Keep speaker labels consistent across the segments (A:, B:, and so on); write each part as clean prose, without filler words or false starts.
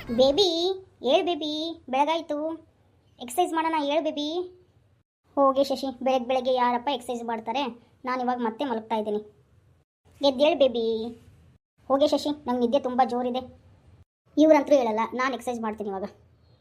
A: Baby ಹೇಳ್ baby, ಬೆಳಗಾಯಿತು, exercise ಮಾಡೋಣ, ಹೇಳ್ ಬೇಬಿ. ಹೋಗಿ ಶಶಿ, ಬೆಳಗ್ಗೆ ಬೆಳಗ್ಗೆ ಯಾರಪ್ಪ ಎಕ್ಸಸೈಸ್ ಮಾಡ್ತಾರೆ? ನಾನು ಇವಾಗ ಮತ್ತೆ ಮಲಗ್ತಾ ಇದ್ದೀನಿ. ಎದ್ದೇಳು ಬೇಬಿ. ಹೋಗಿ ಶಶಿ, ನಂಗೆ ನಿದ್ದೆ ತುಂಬ ಜೋರಿದೆ. ಇವ್ರಂತರೂ ಹೇಳಲ್ಲ, ನಾನು ಎಕ್ಸಸೈಸ್ ಮಾಡ್ತೀನಿ ಇವಾಗ.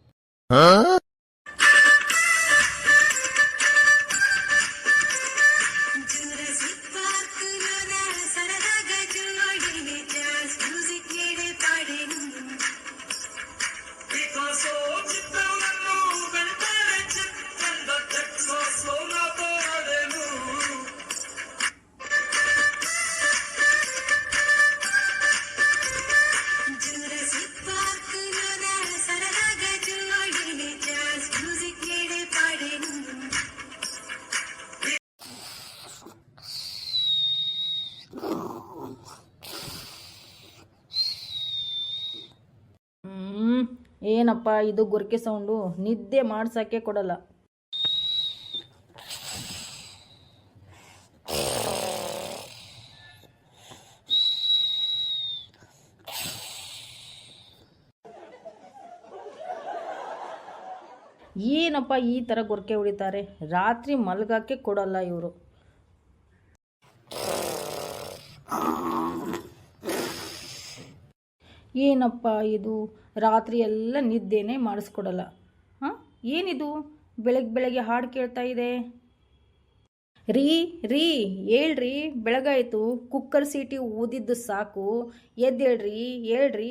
B: ಏನಪ್ಪ ಇದು ಗೊರಕೆ ಸೌಂಡು? ನಿದ್ದೆ ಮಾಡ್ಸೋಕ್ಕೆ ಕೊಡಲ್ಲ. ಏನಪ್ಪ ಈ ಥರ ಗೊರಕೆ ಹೊಡಿತಾರೆ? ರಾತ್ರಿ ಮಲಗಕ್ಕೆ ಕೊಡಲ್ಲ ಇವರು. ಏನಪ್ಪ ಇದು? ರಾತ್ರಿ ಎಲ್ಲ ನಿದ್ದೆನೇ ಮಾಡಿಸ್ಕೊಡಲ್ಲ. ಹಾಂ, ಏನಿದು ಬೆಳಗ್ಗೆ ಬೆಳಗ್ಗೆ ಹಾಡು ಕೇಳ್ತಾ ಇದೆ? ರೀ ರೀ ಹೇಳ್ರಿ, ಬೆಳಗಾಯಿತು, ಕುಕ್ಕರ್ ಸೀಟಿ ಊದಿದ್ದು ಸಾಕು, ಎದ್ದೇಳ್ರಿ, ಹೇಳ್ರಿ.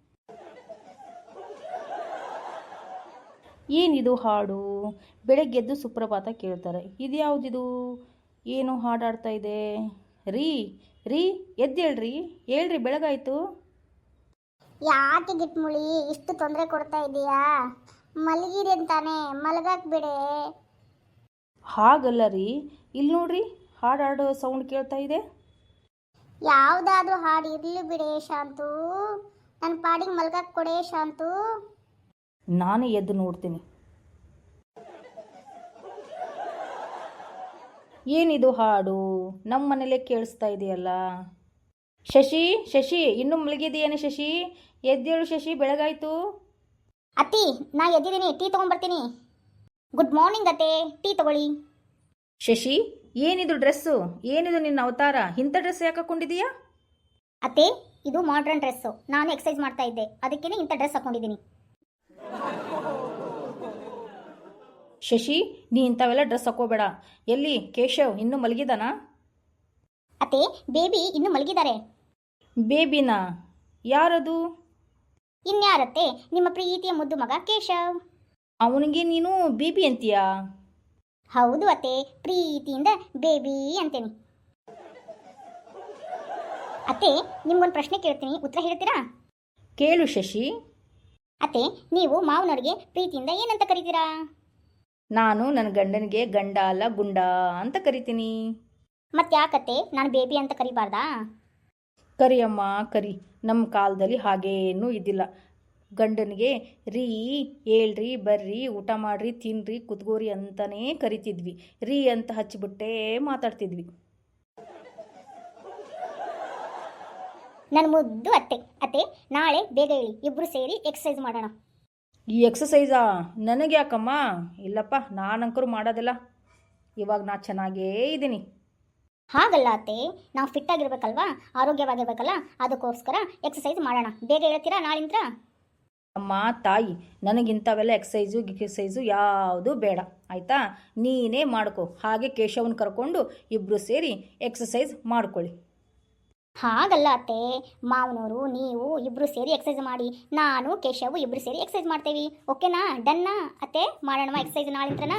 B: ಏನಿದು ಹಾಡು? ಬೆಳಗ್ಗೆದ್ದು ಸುಪ್ರಭಾತ ಕೇಳ್ತಾರೆ. ಇದು ಯಾವುದಿದು? ಏನು ಹಾಡಾಡ್ತಾ ಇದೆ? ರೀ ರೀ ಎದ್ದೇಳ್ರಿ, ಹೇಳ್ರಿ, ಬೆಳಗಾಯಿತು.
A: ಯಾಕೆ ಗಿಟ್ಮುಳಿ ಇಷ್ಟು ತೊಂದರೆ ಕೊಡ್ತಾ ಇದೀಯಾ? ಮಲಗಿರಿ ಅಂತಾನೆ, ಮಲಗಕ್ಕೆ ಬಿಡೆ.
B: ಹಾಗಲ್ಲ ರೀ, ಇಲ್ಲಿ ನೋಡ್ರಿ, ಹಾಡಾಡೋ ಸೌಂಡ್ ಕೇಳ್ತಾ ಇದೆ.
A: ಯಾವುದಾದ್ರೂ ಹಾಡು ಇರಲಿ ಬಿಡೆ ಶಾಂತು, ನನ್ನ ಪಾಡಿಗೆ ಮಲಗಕ್ಕೆ ಕೊಡೆ ಶಾಂತು.
B: ನಾನೇ ಎದ್ದು ನೋಡ್ತೀನಿ. ಏನಿದು ಹಾಡು? ನಮ್ಮ ಮನೇಲೆ ಕೇಳಿಸ್ತಾ ಇದೆಯಲ್ಲ. ಶಶಿ ಶಶಿ, ಇನ್ನೂ ಮಲಗಿದೆಯೇನೆ ಶಶಿ? ಎದ್ದೇಳು ಶಶಿ, ಬೆಳಗಾಯಿತು.
A: ಅತ್ತಿ, ನಾ ಎದ್ದಿದ್ದೀನಿ, ಟೀ ತೊಗೊಂಡ್ಬರ್ತೀನಿ. ಗುಡ್ ಮಾರ್ನಿಂಗ್ ಅತ್ತೆ, ಟೀ ತಗೊಳ್ಳಿ.
B: ಶಶಿ, ಏನಿದು ಡ್ರೆಸ್ಸು? ಏನಿದು ನಿನ್ನ ಅವತಾರ? ಇಂಥ ಡ್ರೆಸ್ ಯಾಕೆ ಹಾಕೊಂಡಿದೀಯಾ?
A: ಅತ್ತೆ, ಇದು ಮಾಡ್ರನ್ ಡ್ರೆಸ್ಸು. ನಾನು ಎಕ್ಸಸೈಸ್ ಮಾಡ್ತಾ ಇದ್ದೆ, ಅದಕ್ಕೇನೆ ಇಂಥ ಡ್ರೆಸ್ ಹಾಕೊಂಡಿದ್ದೀನಿ.
B: ಶಶಿ, ನೀ ಇಂಥವೆಲ್ಲ ಡ್ರೆಸ್ ಹಾಕೋಬೇಡ. ಎಲ್ಲಿ ಕೇಶವ್ ಇನ್ನೂ ಮಲಗಿದಾನಾ?
A: ಅತ್ತೆ, ಬೇಬಿ ಇನ್ನೂ ಮಲಗಿದ್ದಾರೆ.
B: ಬೇಬಿನಾ? ಯಾರದು?
A: ಇನ್ಯಾರತ್ತೆ, ನಿಮ್ಮ ಪ್ರೀತಿಯ ಮುದ್ದು ಮಗ ಕೇಶವ್.
B: ಅವನಿಗೆ ನೀನು ಬೇಬಿ ಅಂತೀಯಾ?
A: ಹೌದು ಅತ್ತೆ, ಪ್ರೀತಿಯಿಂದ ಬೇಬಿ ಅಂತೇನೆ. ಅತ್ತೆ, ನಿಮ್ಗೊಂದು ಪ್ರಶ್ನೆ ಕೇಳ್ತೀನಿ, ಉತ್ತರ ಹೇಳ್ತೀರಾ?
B: ಕೇಳು ಶಶಿ.
A: ಅತ್ತೆ, ನೀವು ಮಾವನವ್ರಿಗೆ ಪ್ರೀತಿಯಿಂದ ಏನಂತ ಕರಿತೀರಾ?
B: ನಾನು ನನ್ನ ಗಂಡನಿಗೆ ಗಂಡ ಅಲ್ಲ ಗುಂಡ ಅಂತ ಕರಿತೀನಿ.
A: ಮತ್ತೆ ಯಾಕತ್ತೆ ನಾನು ಬೇಬಿ ಅಂತ ಕರಿಬಾರ್ದಾ?
B: ಕರಿಯಮ್ಮ ಕರಿ. ನಮ್ಮ ಕಾಲದಲ್ಲಿ ಹಾಗೇನೂ ಇದ್ದಿಲ್ಲ. ಗಂಡನಿಗೆ ರೀ, ಹೇಳ್ರಿ, ಬರ್ರಿ, ಊಟ ಮಾಡ್ರಿ, ತಿನ್ರಿ, ಕುತ್ಗೋರಿ ಅಂತಲೇ ಕರಿತಿದ್ವಿ. ರೀ ಅಂತ ಹಚ್ಚಿಬಿಟ್ಟೇ ಮಾತಾಡ್ತಿದ್ವಿ.
A: ನನ್ನ ಮುದ್ದು ಅತ್ತೆ. ಅತ್ತೆ, ನಾಳೆ ಬೇಗ ಹೇಳಿ, ಇಬ್ಬರು ಸೇರಿ ಎಕ್ಸಸೈಸ್ ಮಾಡೋಣ.
B: ಈ ಎಕ್ಸಸೈಸಾ? ನನಗೆ ಯಾಕಮ್ಮ? ಇಲ್ಲಪ್ಪ, ನಾನಂಕರು ಮಾಡೋದಿಲ್ಲ. ಇವಾಗ ನಾ ಚೆನ್ನಾಗೇ ಇದ್ದೀನಿ.
A: ಹಾಗಲ್ಲ ಅತ್ತೆ, ನಾವು ಫಿಟ್ ಆಗಿರ್ಬೇಕಲ್ವಾ, ಆರೋಗ್ಯವಾಗಿರ್ಬೇಕಲ್ಲ, ಅದಕ್ಕೋಸ್ಕರ ಎಕ್ಸಸೈಸ್ ಮಾಡೋಣ. ಬೇಗ ಹೇಳ್ತೀರಾ ನಾಳಿಂದ?
B: ಅಮ್ಮ ತಾಯಿ, ನನಗಿಂಥವೆಲ್ಲ ಎಕ್ಸಸೈಸು ಯಾವುದೂ ಬೇಡ, ಆಯಿತಾ? ನೀನೇ ಮಾಡ್ಕೊ. ಹಾಗೆ ಕೇಶವನ್ ಕರ್ಕೊಂಡು ಇಬ್ಬರು ಸೇರಿ ಎಕ್ಸಸೈಸ್ ಮಾಡ್ಕೊಳ್ಳಿ.
A: ಹಾಗಲ್ಲ ಅತ್ತೆ, ಮಾವನವರು ನೀವು ಇಬ್ಬರು ಸೇರಿ ಎಕ್ಸಸೈಸ್ ಮಾಡಿ, ನಾನು ಕೇಶವ್ ಇಬ್ಬರು ಸೇರಿ ಎಕ್ಸಸೈಸ್ ಮಾಡ್ತೇವೆ. ಓಕೆನಾ? ಡನ್ನಾ ಅತ್ತೆ? ಮಾಡೋಣ ಎಕ್ಸಸೈಸ್ ನಾಳಿಂತ್ರನಾ?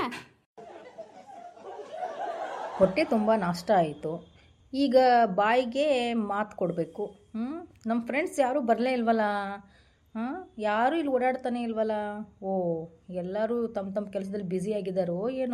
B: ಹೊಟ್ಟೆ ತುಂಬ ನಾಷ್ಟ ಆಯಿತು. ಈಗ ಬಾಯಿಗೆ ಮಾತು ಕೊಡಬೇಕು. ನಮ್ಮ ಫ್ರೆಂಡ್ಸ್ ಯಾರೂ ಬರಲೇ ಇಲ್ವಲ್ಲ? ಯಾರೂ ಇಲ್ಲಿ ಓಡಾಡ್ತಾನೆ ಇಲ್ವಲ್ಲ? ಓ, ಎಲ್ಲರೂ ತಮ್ಮ ತಮ್ಮ ಕೆಲಸದಲ್ಲಿ ಬ್ಯುಸಿಯಾಗಿದ್ದಾರೋ ಏನೋ.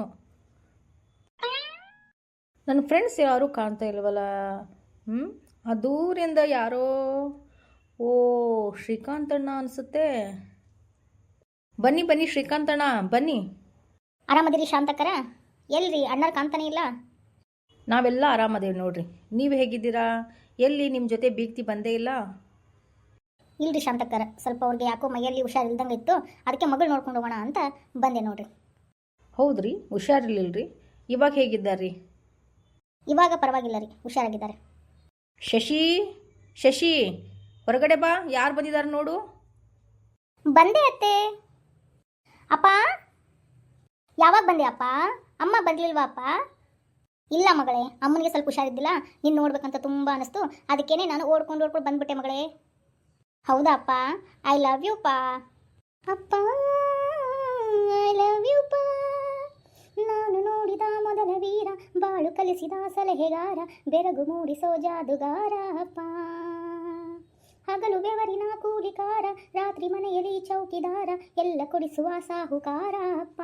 B: ನನ್ನ ಫ್ರೆಂಡ್ಸ್ ಯಾರೂ ಕಾಣ್ತಾ ಇಲ್ವಲ್ಲ? ಆ ದೂರಿಂದ ಯಾರೋ, ಓ ಶ್ರೀಕಾಂತಣ್ಣ ಅನಿಸುತ್ತೆ. ಬನ್ನಿ ಬನ್ನಿ ಶ್ರೀಕಾಂತಣ್ಣ, ಬನ್ನಿ.
A: ಆರಾಮದಿರಿ ಶಾಂತಕರ? ಎಲ್ರಿ ಅಣ್ಣರು ಕಾಣ್ತಾನೆ ಇಲ್ಲ?
B: ನಾವೆಲ್ಲ ಆರಾಮದೇವಿ ನೋಡ್ರಿ. ನೀವು ಹೇಗಿದ್ದೀರಾ? ಎಲ್ಲಿ ನಿಮ್ಮ ಜೊತೆ ಬೀಗ್ತಿ ಬಂದೇ ಇಲ್ಲ?
A: ಇಲ್ರಿ ಶಾಂತಕ್ಕರ, ಸ್ವಲ್ಪ ಅವ್ರಿಗೆ ಯಾಕೋ ಮೈಯಲ್ಲಿ ಹುಷಾರಿಲ್ದಂಗೆ ಇತ್ತು, ಅದಕ್ಕೆ ಮಗಳು ನೋಡ್ಕೊಂಡು ಹೋಗೋಣ ಅಂತ ಬಂದೆ ನೋಡ್ರಿ.
B: ಹೌದ್ರಿ, ಹುಷಾರಿರ್ಲಿಲ್ರಿ? ಇವಾಗ ಹೇಗಿದ್ದಾರ್ರಿ?
A: ಇವಾಗ ಪರವಾಗಿಲ್ಲ ರೀ, ಹುಷಾರಾಗಿದ್ದಾರೆ.
B: ಶಶಿ, ಶಶಿ, ಹೊರಗಡೆ ಬಾ, ಯಾರು ಬಂದಿದ್ದಾರೆ ನೋಡು.
A: ಬಂದೆ ಅತ್ತೆ. ಅಪ್ಪ, ಯಾವಾಗ ಬಂದೆ ಅಪ್ಪ? ಅಮ್ಮ ಬಂದಿಲ್ವಾ ಅಪ್ಪ? ಇಲ್ಲ ಮಗಳೇ, ಅಮ್ಮನಿಗೆ ಸ್ವಲ್ಪ ಹುಷಾರಿದ್ದಿಲ್ಲ, ನೀನು ನೋಡ್ಬೇಕಂತ ತುಂಬ ಅನಿಸ್ತು, ಅದಕ್ಕೇನೆ ನಾನು ಓಡ್ಕೊಂಡು ಬಂದ್ಬಿಟ್ಟೆ ಮಗಳೇ. ಹೌದಾ ಅಪ್ಪ? ಐ ಲವ್ ಯು ಪಾ. ಅಪ್ಪ ಐ ಲವ್ ಯು ಪಾ. ನಾನು ನೋಡಿದ ಮೊದಲ ವೀರ, ಬಾಳು ಕಲಿಸಿದ ಸಲಹೆಗಾರ, ಬೆರಗು ಮೂಡಿಸೋ ಜಾದುಗಾರ ಅಪ್ಪ. ಹಗಲು ಬೆವರಿನ ಕೂಲಿಕಾರ, ರಾತ್ರಿ ಮನೆಯಲ್ಲಿ ಚೌಕಿದಾರ, ಎಲ್ಲ ಕೊಡಿಸುವ ಸಾಹುಕಾರ ಅಪ್ಪ.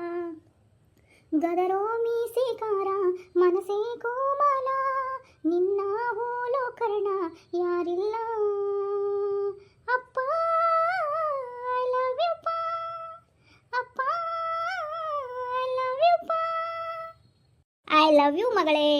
A: ಗದರೋ ಮೀಸೆಕಾರ, ಮನಸೇ ಕೋಮಲ, ನಿನ್ನ ಹೋಲೋ ಕರ್ಣ ಯಾರಿಲ್ಲ ಅಪ್ಪ. ಐ ಲವ್ ಯು ಪಾ. ಅಪ್ಪ ಐ ಲವ್ ಯು ಪಾ. ಐ ಲವ್ ಯು ಮಗಳೇ.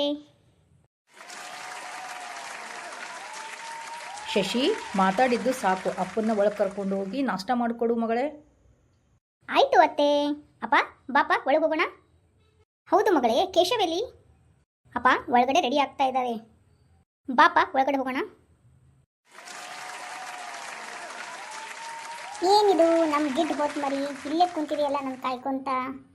B: ಶಶಿ, ಮಾತಾಡಿದ್ದು ಸಾಕು, ಅಪ್ಪನ್ನ ಒಳಗೆ ಕರ್ಕೊಂಡು ಹೋಗಿ ನಾಷ್ಟ ಮಾಡಿಕೊಡು ಮಗಳೇ.
A: ಆಯಿತು ಅತ್ತೆ. ಅಪ್ಪ ಬಾಪ ಒಳಗೆ ಹೋಗೋಣ. ಹೌದು ಮಗಳೇ, ಕೇಶವೆಲ್ಲಿ? ಅಪ್ಪ ಒಳಗಡೆ ರೆಡಿ ಆಗ್ತಾ ಇದ್ದಾರೆ, ಬಾಪ ಒಳಗಡೆ ಹೋಗೋಣ. ಏನಿದು ನಮ್ಮ ಗಿಡ್ ಹೋತ್ ಮರಿ, ಇಲ್ಲೇ ಕುಂತಿದೆಯಲ್ಲ ನನ್ನ ಕಾಯ್ಕೊಂತ.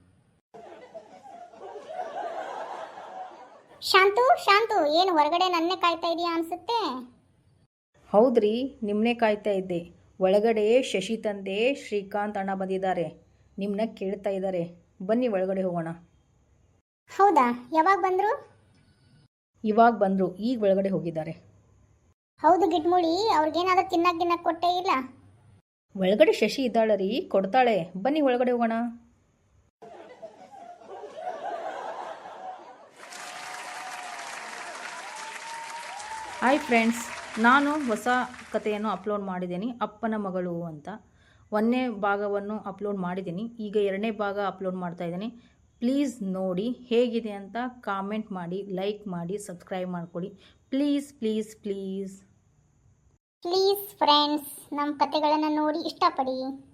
A: ಶಾಂತು, ಶಾಂತು, ಏನು ಹೊರಗಡೆ ನನ್ನೇ ಕಾಯ್ತಾ ಇದೆಯಾ ಅನ್ಸುತ್ತೆ.
B: ಹೌದ್ರಿ, ನಿಮ್ಮನ್ನೇ ಕಾಯ್ತಾ ಇದ್ದೆ. ಒಳಗಡೆ ಶಶಿ ತಂದೆ ಶ್ರೀಕಾಂತ್ ಅಣ್ಣ ಬಂದಿದ್ದಾರೆ, ನಿಮ್ಮನ್ನ ಕೇಳ್ತಾ ಇದ್ದಾರೆ. ಬನ್ನಿ ಒಳಗಡೆ ಹೋಗೋಣ.
A: ಹೌದಾ, ಯಾವಾಗ ಬಂದರು?
B: ಇವಾಗ ಬಂದರು, ಈಗ ಒಳಗಡೆ ಹೋಗಿದ್ದಾರೆ.
A: ಹೌದು ಗಿಡ್ಮುಳಿ, ಅವ್ರಿಗೇನಾದ್ರೂ ತಿನ್ನಕ್ಕೆ ಕೊಟ್ಟೇ ಇಲ್ಲ?
B: ಒಳಗಡೆ ಶಶಿ ಇದ್ದಾಳೆ ರೀ, ಕೊಡ್ತಾಳೆ. ಬನ್ನಿ ಒಳಗಡೆ ಹೋಗೋಣ. ಹಾಯ್ ಫ್ರೆಂಡ್ಸ್, ನಾನು ಹೊಸ ಕಥೆಯನ್ನು ಅಪ್ಲೋಡ್ ಮಾಡಿದ್ದೀನಿ, ಅಪ್ಪನ ಮಗಳು ಅಂತ. 1ನೇ ಭಾಗವನ್ನು ಅಪ್ಲೋಡ್ ಮಾಡಿದ್ದೀನಿ, ಈಗ 2ನೇ ಭಾಗ ಅಪ್ಲೋಡ್ ಮಾಡ್ತಾ ಇದ್ದೀನಿ. ಪ್ಲೀಸ್ ನೋಡಿ, ಹೇಗಿದೆ ಅಂತ ಕಾಮೆಂಟ್ ಮಾಡಿ, ಲೈಕ್ ಮಾಡಿ, ಸಬ್ಸ್ಕ್ರೈಬ್ ಮಾಡ್ಕೊಳ್ಳಿ. Please please please
A: please friends, ನಮ್ಮ ಕಥೆಗಳನ್ನು ನೋಡಿ ಇಷ್ಟಪಡಿ.